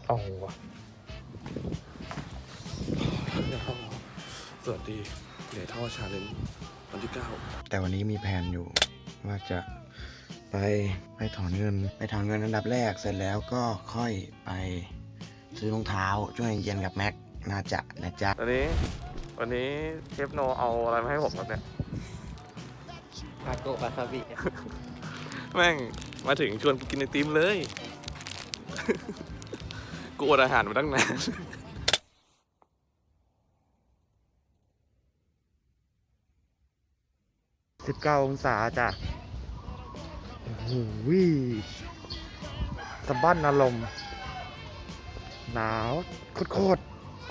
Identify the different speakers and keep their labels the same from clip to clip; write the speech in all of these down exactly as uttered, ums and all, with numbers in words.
Speaker 1: เอาวะสวัสดีเหนื่อยท่อชาเลนจ์วันที่เก้าแต่วันนี้มีแผนอยู่ว่าจะไปไปถอนเงินไปถอนเงินอันดับแรกเสร็จแล้วก็ค่อยไปซื้อรองเท้าช่วงเย็นกับแม็กน่าจะนะจ๊ะวันนี้วันนี้เชฟโนเอาอะไรมาให้ผมครับเนี่ย
Speaker 2: ทาโกะวาซาบิ
Speaker 1: แม่งมาถึงชวนกินไอติมเลย กูอดอาหารมาตั้งนานสิบเก้าองศาจ้ะโอ้โหสะบั้นอารมณ์หนาวโคตร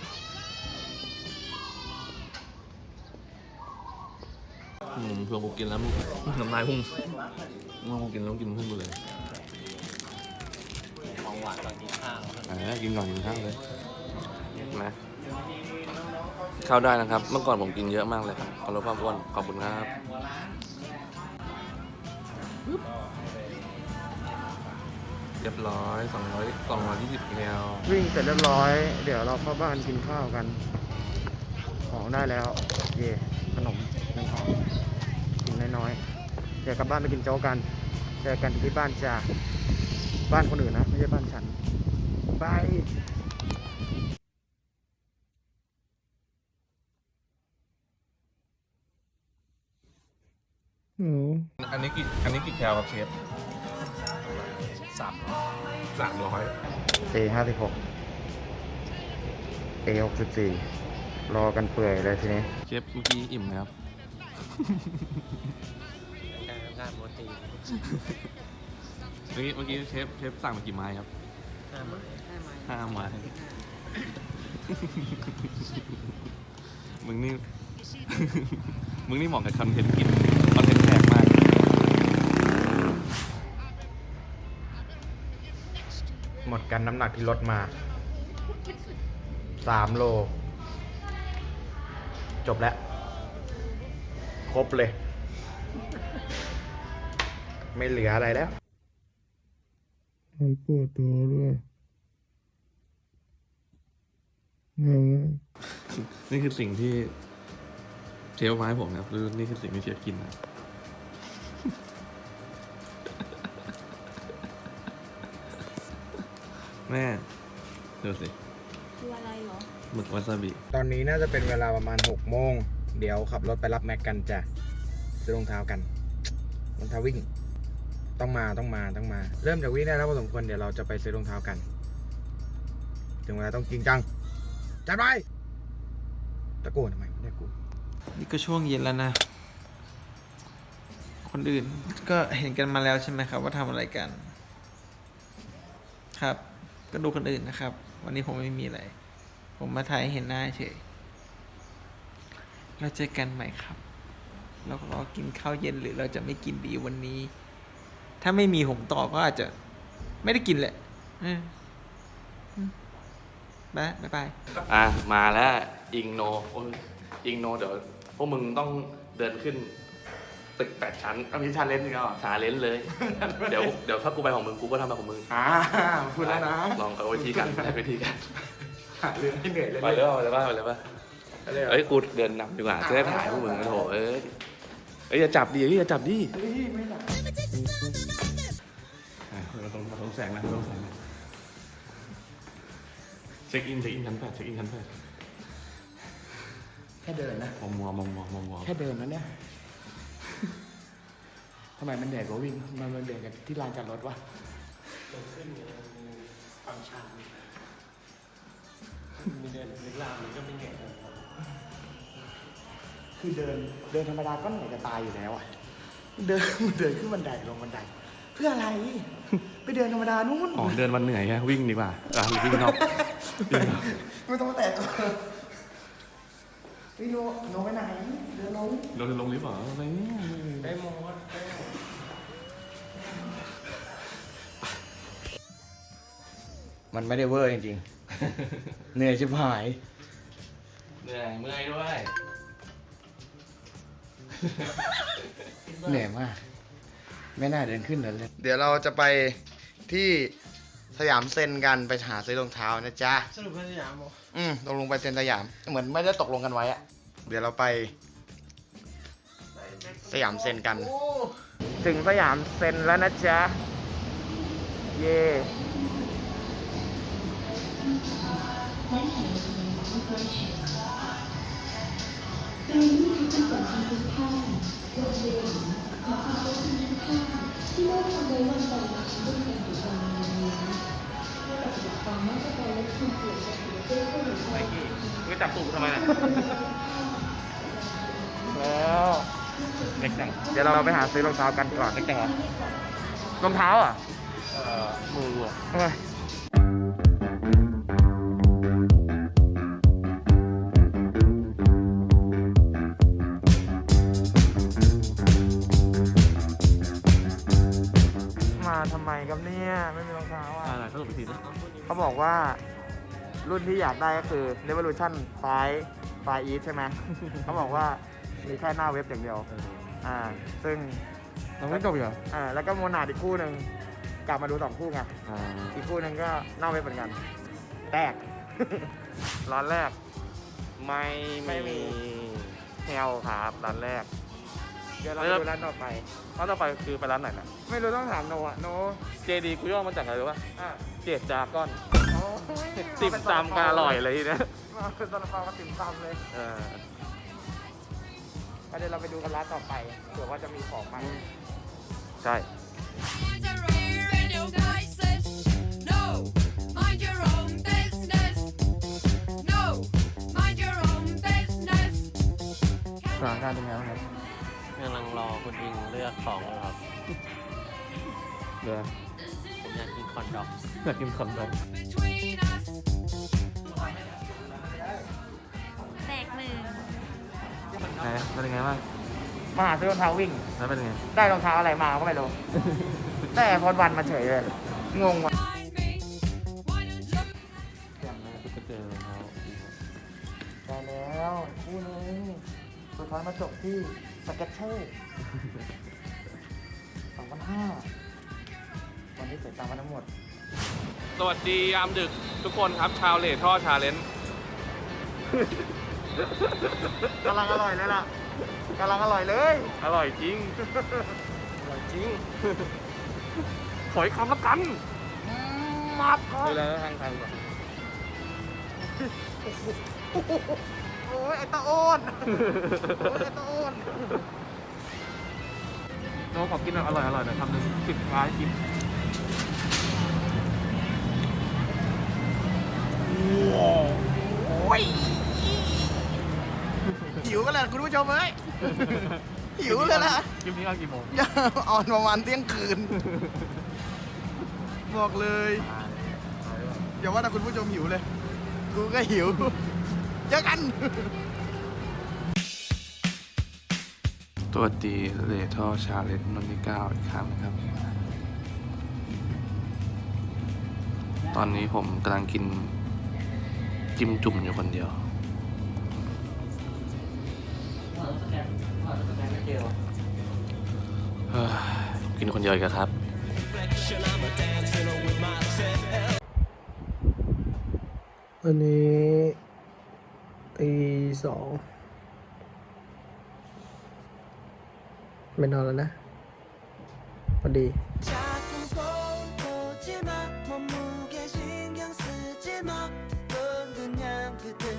Speaker 1: อืมเพื่อนกูกินแล้วมึงน้ำลายพุ่งมึงกูกินแล้วกินพุ่งไปเลย
Speaker 2: ของหวานตอนกินข้าว
Speaker 1: อ่ากินก่อนกินข้าวเลยนะข้าวได้นะครับ เมื่อก่อนผมกินเยอะมากเลยครับขอลดความอ้วนขอบคุณครับเรียบร้อยสองร้อยสองร้อยยี่สิบแคลวิ่งเสร็จเรียบร้อย เดี๋ยวเราเข้าบ้านกินข้าวกัน ของได้แล้วเย่ขนมหนึ่งห่อกินน้อยๆเดี๋ยวกลับบ้านไปกินโจ๊กกันเจอกันที่บ้านจ้าบ้านคนอื่นนะไม่ใช่บ้านฉันบายอันนี้กี่อันนี้กี่แคลครับเชฟสามสามร้อยเอห้าสิบหกเอหกสิบสี่รอกันเปื่อยเลยทีนี้เชฟเมื่อกี้อิ่มไหมครับ
Speaker 2: การทำงานโมตี
Speaker 1: เมื่อกี้เมื่อกี้เชฟเชฟสั่งมากี่ไม้ครับห้าไม้ห้าไม้มึงนี่ มึงนี่เหมาะกับคอนเทนต์กินคอนเทนต์แปลกมากหมดกันน้ำหนักที่ลดมาสามโลจบแล้วครบเลย ไม่เหลืออะไรแล้วไอ้ปวดตัวด้วยนี่คือสิ่งที่เชฟมาให้ผมนะครับหรือนี่คือสิ่งที่เชฟกินนะแม่ดูสิคืออะไรเหรอหมึกวาซาบิตอนนี้น่าจะเป็นเวลาประมาณหกโมงเดี๋ยวขับรถไปรับแม็กกันจ้ะซื้อรองเท้ากันรองเท้าวิ่งต้องมาต้องมาต้องมาเริ่มจากวิ่งได้แล้วพอสมควรเดี๋ยวเราจะไปซื้อรองเท้ากันถึงเวลาต้องจริงจังจัดไปตะโกนทำไมไม่ได้กู
Speaker 2: นี่ก็ช่วงเย็นแล้วนะ คนอื่นก็เห็นกันมาแล้วใช่ไหมครับว่าทำอะไรกัน ครับ ก็ดูคนอื่นนะครับ วันนี้ผมไม่มีอะไร ผมมาถ่ายให้เห็นหน้าเฉยเราเจอกันใหม่ครับ เรารอกินข้าวเย็นหรือเราจะไม่กินดีวันนี้ ถ้าไม่มีผมต่อก็อาจจะไม่ได้กินแหละบ๊ายบายอ่ะมาแล้วอิงโนอิงโนเดี๋ยวพวกมึงต้องเดินขึ้นตึกแปดชั้นอันนี้ชาเลนจ์จริงเหรอชาเลนจ์เลย เดี๋ยวเดี๋ยวถ้ากูไปของมึงกูก็ทำแบบของมึงอ่าพูดแล้วนะลองเอาวิธีกันได้วิธีกันหาเรื่องให้เหนื่อยเลยไปเลยไปเลยป่ะไปเลยป่ะเอ้ยกูเดินนำดีกว่าจะได้ถ่ายพวกมึงโถเอ้ยเอ้ยอย่าจับดิอย่าจับดิไม่หลับเราต้องเราต้องแสงนะเราต้องแสงนะเช็คอินเช็คอินชั้นแปดเช็คอินชั้นแปด
Speaker 3: แค่เดินนะ
Speaker 1: มองมัวมองมัวมองมัว
Speaker 3: แค่เดินนะเนี่ยทำไมมันเหนื่อยกว่าวิ่งมันมันเหนื่อยกันที่ลานจอดรถวะเดินขึ้นความชันมีเดินลึกลามมันก็ไม่เหนื่อยคือเดินเดินธรรมดาก็เหนื่อยจะตายอยู่แล้วอ่ะเดินเดินขึ้นบันไดลงบันไดเพื่ออะไรไปเดินธรรมดานู่น
Speaker 1: อ๋อเดินวันเหนื่อยแค่วิ่งดีกว่าอ่ะวิ่งนอก
Speaker 3: ไม่ต้องมาแตะตัววิ่งโนโนไปไหนเดินลง
Speaker 1: เราจะลงหรือเปล่าอะไรเนี่ย
Speaker 3: ได้หมดมันไม่ได้เวอร์จริงๆเหนื่อยชิบหาย
Speaker 1: เหนื่อยเมื่อยด้วย
Speaker 3: เหนื่อยมากไม่น่าเดินขึ้นเลยเดี๋ยวเราจะไปที่
Speaker 1: สยามเซ็นกันไปหาซื้อรองเท้านะจ๊ะ
Speaker 3: สรุปเป็นสยามเหรอ
Speaker 1: อืมตกลงไปเซ็นสยาม เหมือนไม่ได้ตกลงกันไว้อะเดี๋ยวเราไปสยามเซ็นกัน ถึงสยามเซ็นแล้วนะจ๊ะ เย่ไอ้กี้มึงจับตูดทำไมน่ะ แล้วเล็กจังเดี๋ยวเราไปหาซื้อรองเท้ากันก่อนเล็กจังเหรอรองเท้าอ่ะ เอ่อ มืออ่ะเฮ้ยมาทำไมครับเนี่ย ไม่มีรองเท้าอ่ะ
Speaker 2: อะไรสรุปอีกทีนะ
Speaker 1: เขาบอกว่ารุ่นที่อยากได้ก็คือ Revolution ไฟว์ไฟว์ East ใช่ไหม เขาบอกว่ามีแค่หน้าเว็บอย่างเดียว อ่า ซึ่ง
Speaker 2: เราไม่จบอีกเหรอ
Speaker 1: อ่า แล้วก็โมนาดอีกคู่หนึ่งกลับมาดูสองคู่ไง
Speaker 2: อ่า
Speaker 1: อีกคู่หนึ่งก็หน้าเว็บเหมือนกัน แตก ร้านแรก ไม่
Speaker 2: ไม่มี
Speaker 1: เฮลครับร้านแรก เดี๋ยวเราไปดูร้านต่อไป
Speaker 2: ร้านต่อไปคือไปร้านไหนนะ
Speaker 1: ไม่รู้ต้องถามโนอะโน
Speaker 2: เจดีกูย่อมาจากอะไรรู้ป่ะ
Speaker 1: อ่ะ
Speaker 2: เจดจากอน
Speaker 1: โอ้ย
Speaker 2: ติ่มซำก็อร่อยเลยทีเนี้ย
Speaker 1: มาเป็นซาลาเปากับติ่มซำเลย
Speaker 2: เออ
Speaker 1: ก็เดี๋ยวเราไปดูกันร้านต่อไปเผื่อว่าจะมีของใหม่
Speaker 2: ใช่
Speaker 4: Mind your own radio devices. No, mind your own business. No, mind your own business.
Speaker 2: สถานการณ์เป็นไงบ้างครับ
Speaker 5: กำลังรอคุณอิงเลือกของอยู่ครับ
Speaker 2: เดี๋ยว
Speaker 5: ผมอยากกินคอนด็อก
Speaker 2: อยากกินคอนดอง
Speaker 4: Between us.
Speaker 6: แตกหนึ่ง
Speaker 2: ไหนเป็นยังไงบ้าง
Speaker 1: มาหาซื้อรองเท้าวิ่ง
Speaker 2: แล้วเป็นยังไง
Speaker 1: ได้รองเท้าอะไรมาก็ไม่รู้ ได้พอดวันมาเฉยเลย งงว่ะ
Speaker 4: Find me. Why don't you?
Speaker 2: ก็เจอรองเท้า
Speaker 1: ได้แล้วคู่นึงสุดท้ายมาจบที่สเก็ตเชอร์สองพันห้าวันนี้เสียตังค์มาทั้งหมด
Speaker 2: สวัสดียามดึกทุกคนครับ ชาวเลท่อชาเลนจ์
Speaker 1: กำลังอร่อยเลยล่ะกำลังอร่อยเลย
Speaker 2: อร่อยจริง
Speaker 1: อร่อยจริง
Speaker 2: ขออีกคำละกัน
Speaker 1: มับครับ
Speaker 2: ดูแลทางทางก่อน
Speaker 1: โอ้ยไอ้ตาโอนโอ้ยไอ้ตาโอน
Speaker 2: โน้ขอกินอร่อยอร่อยหน่อยทำหนึ่งสิบร้ายกิน
Speaker 1: โอ้ยหิวกันเลยคุณผู้ชมเอ้ย หิวเลยล่ะ
Speaker 2: คลิปนี้เอากี่โมง
Speaker 1: อย่าออนประมาณเที่ยงคืน บอกเลยอย่าว่าแต่คุณผู้ชมหิวเลย กูก็หิวเจอกัน
Speaker 2: ตัวดีเลท่อชาเลนจ์นนที่เก้าอีกครั้งครับ ตอนนี้ผมกำลังกินจิ้มจุ่มอยู่คนเดียวเฮ้ยกินคนเดียวอีกแล้วครับ
Speaker 7: วันนี้ตีสองไม่นอนแล้วนะพอดี
Speaker 8: 자꾸 보지 마 몸무게 신경 쓰지 마 넌 그냥 그대로